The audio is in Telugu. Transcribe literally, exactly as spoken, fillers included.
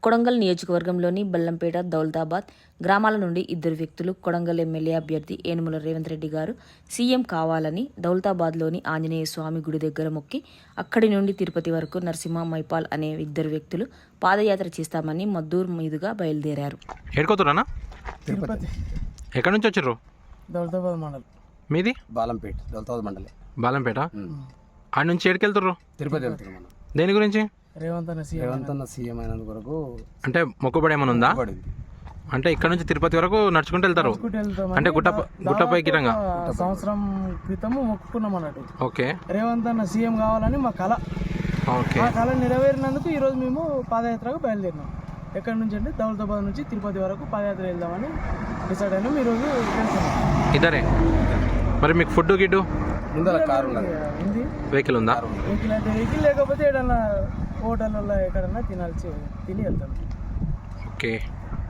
కొడంగల్ నియోజకవర్గంలోని బెల్లంపేట, దౌలతాబాద్ గ్రామాల నుండి ఇద్దరు వ్యక్తులు కొడంగల్ ఎమ్మెల్యే అభ్యర్థి ఏనుముల రేవంత్ రెడ్డి గారు సీఎం కావాలని దౌలతాబాద్లోని ఆంజనేయ స్వామి గుడి దగ్గర మొక్కి అక్కడి నుండి తిరుపతి వరకు నరసింహ మైపాల్ అనే ఇద్దరు వ్యక్తులు పాదయాత్ర చేస్తామని మద్దూరు మీదుగా బయలుదేరారు. ఏడుకోతున్నా తిరుపతి ఎక్కడి నుంచి వచ్చారు? దౌలతాబాద్ మండల్. మీది బాలంపేట, దౌలతాబాద్ మండలి. బాలంపేట. ఆడ నుంచి ఏడుకెళ్తారు? తిరుపతి వెళ్తున్నాం మనం. దేని గురించి? రేవంత్ అన్న సీఎం. రేవంత్ అన్న సీఎం అయినందుకు వరకు అంటే మొక్కుబడి ఏమైనా ఉందా? పడింది. అంటే ఇక్కడ నుంచి తిరుపతి వరకు నడుచుకుంటూ వెళ్తారు? మొక్కుకుంటూ వెళ్తామని అంటే గుట్ట గుట్టపై గిరంగా ఒక సంవత్సరం క్రితము మొక్కుకున్నాం అన్నట్టు. ఓకే రేవంత్ అన్న సీఎం కావాలని మా కళ. ఓకే ఆ కళ నెరవేరినందుకు ఈరోజు మేము పాదయాత్రకు బయలుదేరినాం. ఎక్కడి నుంచి అంటే దౌలతాబాద్ నుంచి తిరుపతి వరకు పాదయాత్ర వెళ్దామని డిసైడ్ అయినాం. ఈరోజు వెళ్తున్నాం. ఇద్దరే. మరి మీకు ఫుడ్ గిడ్డు ముందర కారు ఉన్నది, ఉంది వెహికల్ ఉందా? వెహికల్ అయితే వెహికల్, లేకపోతే ఏదన్నా హోటల్లో ఎక్కడన్నా తినాల్సి తిని వెళ్తాం. ఓకే.